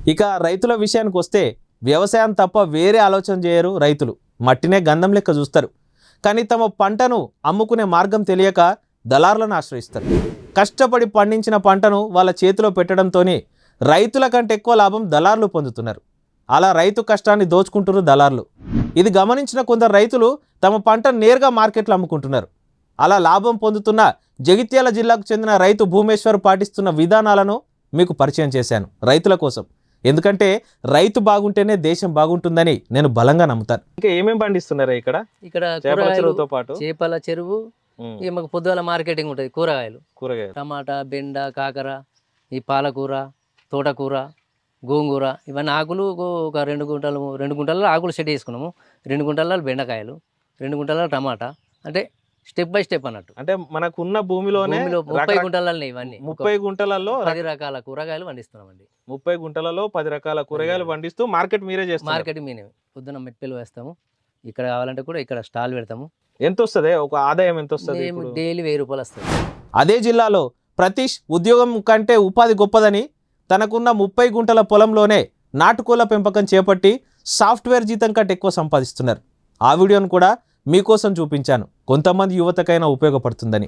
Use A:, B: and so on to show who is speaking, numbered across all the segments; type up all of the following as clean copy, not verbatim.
A: ఇక రైతుల విషయానికి వస్తే వ్యవసాయం తప్ప వేరే ఆలోచన చేయరు రైతులు. మట్టినే గంధం లెక్క చూస్తారు. కానీ తమ పంటను అమ్ముకునే మార్గం తెలియక దళారులను ఆశ్రయిస్తారు. కష్టపడి పండించిన పంటను వాళ్ళ చేతిలో పెట్టడంతోనే రైతుల కంటే ఎక్కువ లాభం దళారులు పొందుతున్నారు. అలా రైతు కష్టాన్ని దోచుకుంటున్నారు దళారులు. ఇది గమనించిన కొందరు రైతులు తమ పంటను నేరుగా మార్కెట్లో అమ్ముకుంటున్నారు. అలా లాభం పొందుతున్న జగిత్యాల జిల్లాకు చెందిన రైతు భూమేశ్వర్ పాటిస్తున్న విధానాలను మీకు పరిచయం చేశాను రైతుల కోసం. ఎందుకంటే రైతు బాగుంటేనే దేశం బాగుంటుందని నేను బలంగా నమ్ముతాను. ఇంకా ఏమేమి పండిస్తున్నారు ఇక్కడ? చేపల చెరువుతో పాటు
B: చేపల చెరువు, మాకు పొద్దుగాల మార్కెటింగ్ ఉంటుంది. కూరగాయలు, టమాటా, బెండ, కాకర, ఈ పాలకూర, తోటకూర, గోంగూర, ఇవన్నీ ఆకులు ఒక 2 గుంటల్లో ఆకులు సెట్ చేసుకున్నాము. 2 గుంటల్లో బెండకాయలు, 2 గుంటల్లో టమాటా. అంటే స్టెప్ బై స్టెప్ అన్నట్టు.
A: అంటే మనకున్న భూమిలోనే
B: 30 గుంటలలో ఇవన్నీ
A: 30 గుంటలలో
B: 10 రకాల కూరగాయలు పండిస్తున్నామండి.
A: 30 గుంటలలో 10 రకాల కూరగాయలు పండిస్తూ మార్కెట్ మీరే చేస్తారు?
B: మార్కెట్ మీనే. పొద్దున్న మెట్టెలు వేస్తాము. ఇక్కడ కావాలంటే కూడా ఇక్కడ స్టాల్ పెడతాము.
A: ఎంత వస్తుంది? ఒక ఆదాయం ఎంత వస్తుంది?
B: డైలీ 1000 రూపాయలు వస్తుంది.
A: అదే జిల్లాలో ప్రతీష్ ఉద్యోగం కంటే ఉపాధి గొప్పదని తనకున్న 30 గుంటల పొలంలోనే నాటుకోళ్ల పెంపకం చేపట్టి సాఫ్ట్వేర్ జీతం కంటే ఎక్కువ సంపాదిస్తున్నారు. ఆ వీడియోను కూడా మీకోసం చూపించాను, కొంతమంది యువతకైనా ఉపయోగపడుతుందని.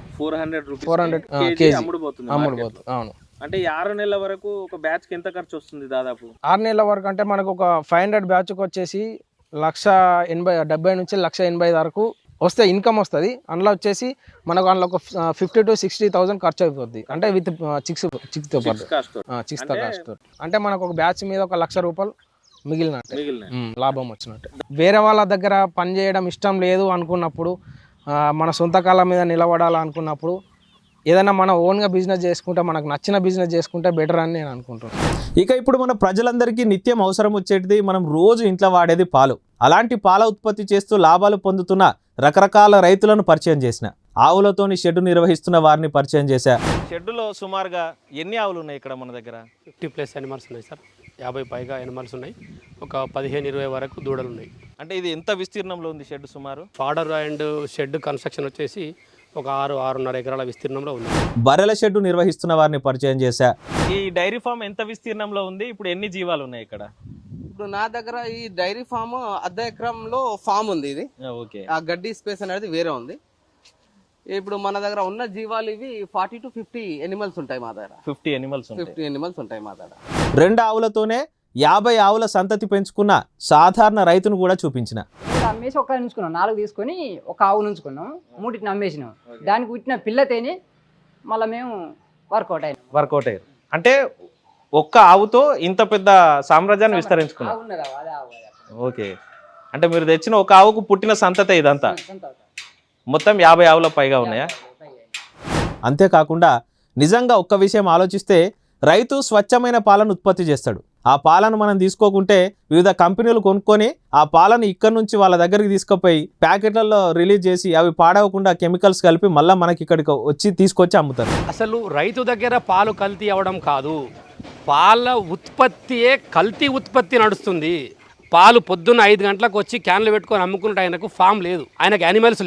C: 400 కేజీ అమ్ముడుపోతుంది. అవును.
A: అంటే 6 నెలల వరకు ఒక బ్యాచ్ కి ఎంత ఖర్చు వస్తుంది? దాదాపు
C: 6 నెలల వరకు అంటే మనకు ఒక 500 బ్యాచ్కి వచ్చేసి 1,80,000 నుంచి 1,80,000 వరకు వస్తే ఇన్కమ్ వస్తుంది. అందులో వచ్చేసి మనకు అందులో ఒక 50,000 to 60,000 ఖర్చు అయిపోద్ది. అంటే విత్ చిక్స్తో పాటు కాస్ట్. అంటే మనకు ఒక బ్యాచ్ మీద ఒక 1,00,000 రూపాయలు మిగిలినట్టు, లాభం వచ్చినట్టు. వేరే వాళ్ళ దగ్గర పని చేయడం ఇష్టం లేదు అనుకున్నప్పుడు, మన సొంత కాళ్ళ మీద నిలబడాలనుకున్నప్పుడు ఏదైనా మన ఓన్గా బిజినెస్ చేసుకుంటే, మనకు నచ్చిన బిజినెస్ చేసుకుంటే బెటర్ అని నేను అనుకుంటున్నాను.
A: ఇక ఇప్పుడు మన ప్రజలందరికీ నిత్యం అవసరం వచ్చేటిది, మనం రోజు ఇంట్లో వాడేది పాలు. అలాంటి పాల ఉత్పత్తి చేస్తూ లాభాలు పొందుతున్న రకరకాల రైతులను పరిచయం చేసిన, ఆవులతోని షెడ్ నిర్వహిస్తున్న వారిని పరిచయం చేశా. షెడ్డులో సుమారుగా ఎన్ని ఆవులు ఉన్నాయి ఇక్కడ మన దగ్గర?
D: 50+ యానిమల్స్ ఉన్నాయి సార్. 50 పైగా యానిమల్స్ ఉన్నాయి. ఒక 15-20 వరకు దూడలు ఉన్నాయి.
A: అంటే ఇది ఎంత విస్తీర్ణంలో ఉంది షెడ్? సుమారు
D: ఫాడర్ అండ్ షెడ్ కన్స్ట్రక్షన్ వచ్చేసి ఒక 6-6.5 ఎకరాల విస్తీర్ణంలో ఉంది.
A: బర్రెల షెడ్ నిర్వహిస్తున్న వారిని పరిచయం చేశా. ఈ డైరీ ఫామ్ ఎంత విస్తీర్ణంలో ఉంది? ఇప్పుడు ఎన్ని జీవాలు ఉన్నాయి ఇక్కడ?
E: ఇప్పుడు నా దగ్గర ఈ డైరీ ఫామ్ 1/2 ఎకరంలో ఫామ్ ఉంది. ఇది ఆ గడ్డి స్పేస్ అనేది వేరే ఉంది. ఇప్పుడు మన దగ్గర ఉన్న జీవాలు ఇవి 40 to 50 ఎనిమల్స్ ఉంటాయి మా దగ్గర.
A: 50
E: ఎనిమల్స్ ఉంటాయి మా దగ్గర.
A: 2 ఆవులతోనే 50 ఆవుల సంతతి పెంచుకున్న సాధారణ రైతును కూడా చూపించిన.
F: అమ్మేసి ఒక ఉంచుకున్నాం, 4 తీసుకొని ఒక ఆవు ఉంచుకున్నాం, 3 అమ్మేసినాం. దానికి పుట్టిన పిల్లతేని మళ్ళీ మేము వర్కౌట్
A: అయ్యారు. అంటే ఒక్క ఆవుతో ఇంత పెద్ద సామ్రాజ్యాన్ని విస్తరించుకున్నాం. ఓకే. అంటే మీరు తెచ్చిన ఒక ఆవుకు పుట్టిన సంతతే ఇదంతా? మొత్తం 50 ఆవుల పైగా ఉన్నాయా? అంతేకాకుండా నిజంగా ఒక్క విషయం ఆలోచిస్తే, రైతు స్వచ్ఛమైన పాలను ఉత్పత్తి చేస్తాడు. ఆ పాలను మనం తీసుకోకుంటే వివిధ కంపెనీలు కొనుక్కొని ఆ పాలను ఇక్కడ నుంచి వాళ్ళ దగ్గరికి తీసుకుపోయి ప్యాకెట్లలో రిలీజ్ చేసి అవి పాడవకుండా కెమికల్స్ కలిపి మళ్ళీ మనకి ఇక్కడికి తీసుకొచ్చి అమ్ముతారు.
D: అసలు రైతు దగ్గర పాలు కల్తీ అవ్వడం కాదు, పాల ఉత్పత్తియే కల్తీ ఉత్పత్తి నడుస్తుంది. పాలు పొద్దున్న 5 గంటలకు వచ్చి క్యాన్లు పెట్టుకొని అమ్ముకుంటే ఆయనకు ఫామ్ లేదు, ఆయనకు యానిమల్స్